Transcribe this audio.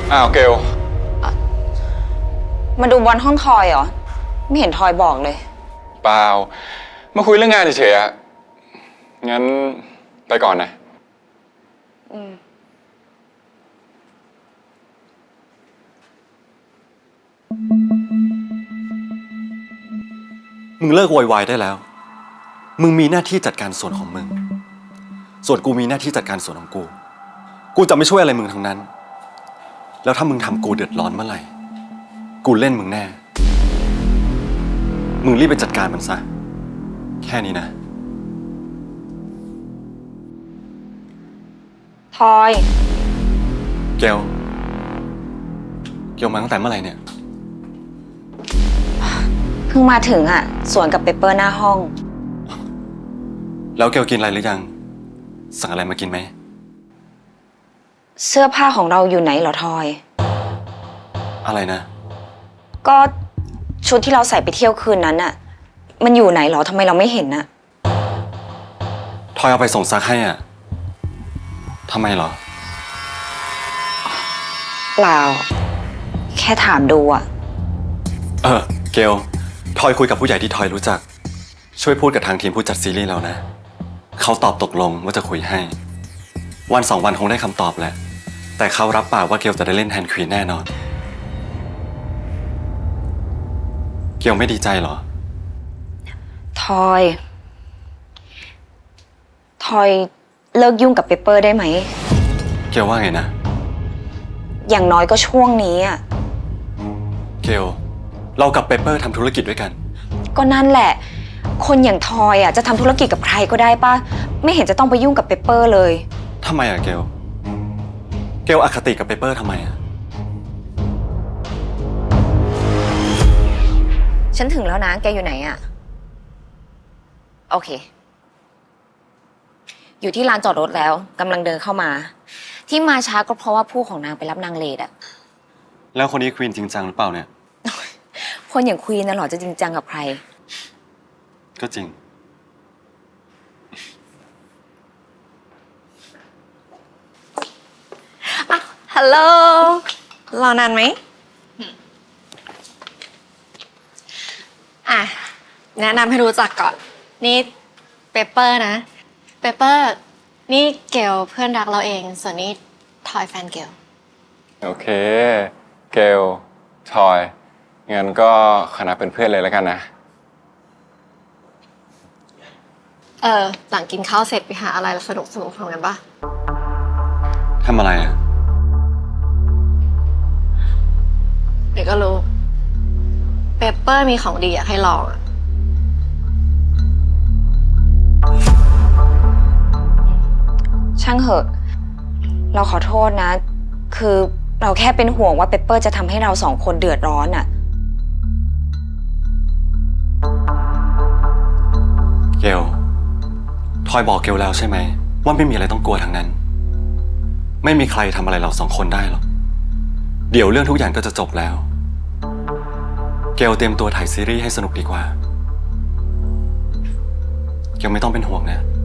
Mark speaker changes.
Speaker 1: อ้าวเกล
Speaker 2: มาดูบอลห้องทอยเหรอไม่เห็นทอยบอกเลย
Speaker 1: เปล่ามาคุยเรื่องงานเฉยๆอะงั้นไปก่อนนะ
Speaker 3: มึงเลิกโวยวายได้แล้วมึงมีหน้าที่จัดการส่วนของมึงส่วนกูมีหน้าที่จัดการส่วนของกูจะไม่ช่วยอะไรมึงทั้งนั้นแล้วถ้ามึงทำกูเดือดร้อนเมื่อไหร่กูเล่นมึงแน่มึงรีบไปจัดการมันซะแค่นี้นะ
Speaker 2: ทอย
Speaker 3: เกลมาตั้งแต่เมื่อไหร่เนี่ย
Speaker 2: เพิ่งมาถึงอ่ะสวนกับเปเปอร์หน้าห้อง
Speaker 3: แล้วเกลกินอะไรหรือยังสั่งอะไรมากินไหม
Speaker 2: เสื้อผ้าของเราอยู่ไหนเหรอทอย
Speaker 3: อะไรนะ
Speaker 2: ก็ชุดที่เราใส่ไปเที่ยวคืนนั้นน่ะมันอยู่ไหนเหรอทำไมเราไม่เห็นน่ะ
Speaker 3: ทอยเอาไปส่งซักให้อ่ะทำไมเหรอ
Speaker 2: เปล่าแค่ถามดูอ่ะ
Speaker 3: เกลทอยคุยกับผู้ใหญ่ที่ทอยรู้จักช่วยพูดกับทางทีมผู้จัดซีรีส์เรานะเขาตอบตกลงว่าจะคุยให้วัน2 วันคงได้คำตอบแหละแต่เขารับปากว่าเกลจะได้เล่นแทนควีนแน่นอนเกลไม่ดีใจเหรอ
Speaker 2: ทอยเลิกยุ่งกับเปเปอร์ได้ไหม
Speaker 3: เกลว่าไงนะ
Speaker 2: อย่างน้อยก็ช่วงนี้อ่ะ
Speaker 3: เกลเรากับเปเปอร์ทำธุรกิจด้วยกัน
Speaker 2: ก็นั่นแหละคนอย่างทอยอ่ะจะทำธุรกิจกับใครก็ได้ป่ะไม่เห็นจะต้องไปยุ่งกับเปเปอร์เลย
Speaker 3: ทำไมอะเกลอคติกับเปเปอร์ทำไมอะ
Speaker 2: ฉันถึงแล้วนะแกอยู่ไหนอ่ะโอเคอยู่ที่ลานจอดรถแล้วกำลังเดินเข้ามาที่มาช้าก็เพราะว่าผู้ของนางไปรับนางเลดอะ
Speaker 3: แล้วคนนี้ควีนจริงจังหรือเปล่าเนี่ย
Speaker 2: คนอย่างควีนน่ะหรอจะจริงจังกับใคร
Speaker 3: ก็จริง
Speaker 4: ฮัลโหลรอนานไหมแนะนำให้รู้จักก่อนนี่เปเปอร์นะเปเปอร์นี่เกลเพื่อนรักเราเองส่วนนี้ทอยแฟนเกล
Speaker 1: โอเคเกลทอยงั้นก็คณะเป็นเพื่อนเลยแล้วกันนะ
Speaker 4: หลังกินข้าวเสร็จไปหาอะไรสนุกทำกันปะ
Speaker 3: ทำอะไรอะ
Speaker 4: เดี๋ยวก็รู้เปเปอร์มีของดีอยากให้ลองอะ
Speaker 2: ช่างเหอะเราขอโทษนะคือเราแค่เป็นห่วงว่าเปเปอร์จะทำให้เราสองคนเดือดร้อนอะ
Speaker 3: เกลทอยบอกเกลแล้วใช่ไหมว่าไม่มีอะไรต้องกลัวทั้งนั้นไม่มีใครทำอะไรเรา2 คนได้หรอกเดี๋ยวเรื่องทุกอย่างก็จะจบแล้วเกลเตรียมตัวถ่ายซีรีส์ให้สนุกดีกว่าเกลไม่ต้องเป็นห่วงนะ